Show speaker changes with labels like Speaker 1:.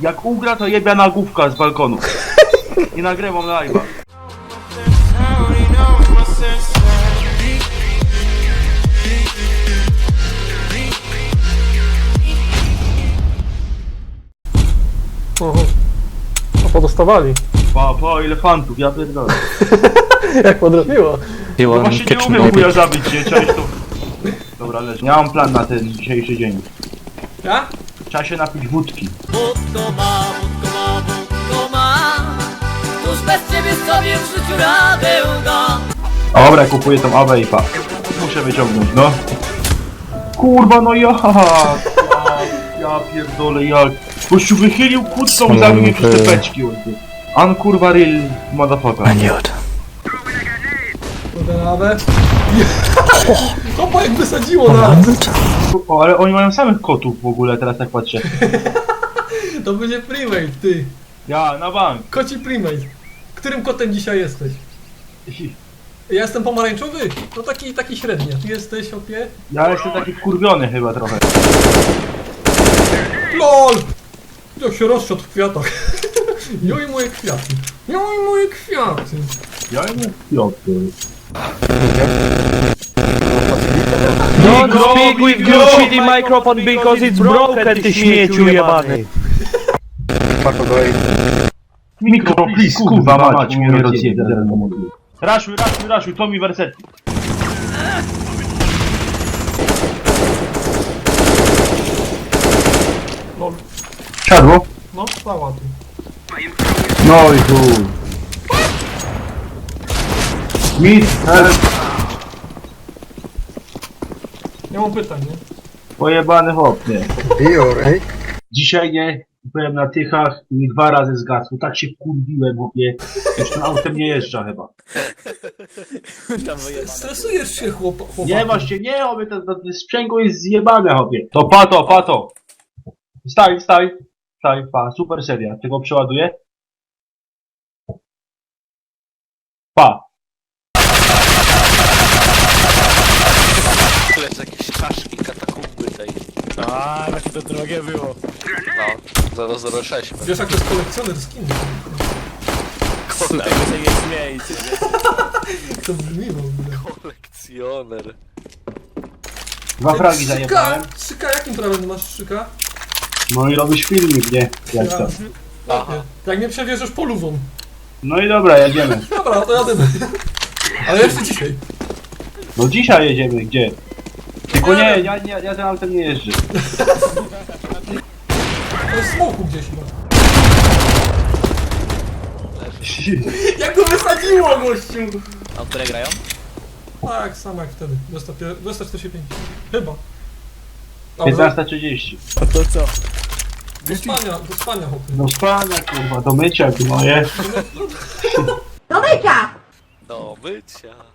Speaker 1: Jak ugra, to jebia nagłówka z balkonu. I nagrywam live'a.
Speaker 2: Oho. A podostawali.
Speaker 1: Pa, ile fantów, ja pierdolę.
Speaker 2: Jak podrobiło.
Speaker 1: No właśnie nie umiem chuja zabić, nie? Cześć tu. Dobra, leży. Ja mam plan na ten dzisiejszy dzień.
Speaker 2: Ja?
Speaker 1: Trzeba się napić wódki.
Speaker 3: Wódko ma, tuż bez ciebie sobie w życiu radę da.
Speaker 1: Dobra, kupuję tą awę i pa. Muszę wyciągnąć, no. Kurwa, no ja pierdolę, jak. Gościu wychylił kłódką i zabił mnie przez te beczki. Kurwa real motherfucker.
Speaker 2: Podenawę. Kopa jak wysadziło nas.
Speaker 1: O, ale oni mają samych kotów w ogóle, teraz tak patrzę.
Speaker 2: To będzie primate, ty.
Speaker 1: Ja, na bank.
Speaker 2: Koci primate. Którym kotem dzisiaj jesteś? Ja jestem pomarańczowy? No taki średni. Ty jesteś, opie?
Speaker 1: Ja jestem taki wkurwiony chyba trochę.
Speaker 2: LOL! Jak się rozszedł w kwiatach. Joj moje kwiaty. Joj moje kwiaty.
Speaker 1: Ja nie kwiaty.
Speaker 4: Don't speak with your shitty microphone because it's broken, ty śmieciu jebany.
Speaker 1: Mikro, please, kurwa mać, mnie rozjebie. Raszuj, to mi wersetki.
Speaker 2: LOL.
Speaker 1: Siadło?
Speaker 2: No, stała tu.
Speaker 1: No i chuj. Mit, help.
Speaker 2: Nie mam pytań, nie?
Speaker 1: Pojebany hop, nie. Dzisiaj nie, byłem na Tychach i 2 razy zgasł. Tak się wkurwiłem, chłopie. Już tym autem nie jeżdża chyba.
Speaker 2: Stresujesz się, chłopak.
Speaker 1: Nie właśnie, nie, chłopie, to sprzęgło jest zjebane, chłopie. To pato. Staj, pa, super seria. Tego przeładuję. Pa.
Speaker 5: Lecz jakieś czaszki, katakumby tej.
Speaker 4: A, jakie to drogie było.
Speaker 5: No, 006.
Speaker 2: Wiesz jak to jest kolekcjoner skin?
Speaker 4: Tak, wy się nie śmiejcie.
Speaker 2: Jak to brzmi w ogóle?
Speaker 5: Kolekcjoner.
Speaker 1: 2 fragi zajebałem.
Speaker 2: Strzyka, jakim prawem masz strzyka?
Speaker 1: No i robisz filmik, nie? Jak to?
Speaker 5: Aha.
Speaker 2: Jak mnie przewieziesz polówą.
Speaker 1: No i dobra, jedziemy.
Speaker 2: Dobra, to jadymy. Ale jeszcze dzisiaj.
Speaker 1: No dzisiaj jedziemy, gdzie? Tylko nie, ja tym autem nie jeżdżę.
Speaker 2: To jest smoku gdzieś chyba. Jak go wysadziło, gościu!
Speaker 4: A które grają?
Speaker 2: Tak, samo jak wtedy. 245. Chyba. Dobrze.
Speaker 1: 15:30.
Speaker 4: A to co?
Speaker 2: Do spania, chłopie.
Speaker 1: Do spania, kurwa, do mycia, moje.
Speaker 5: Do mycia.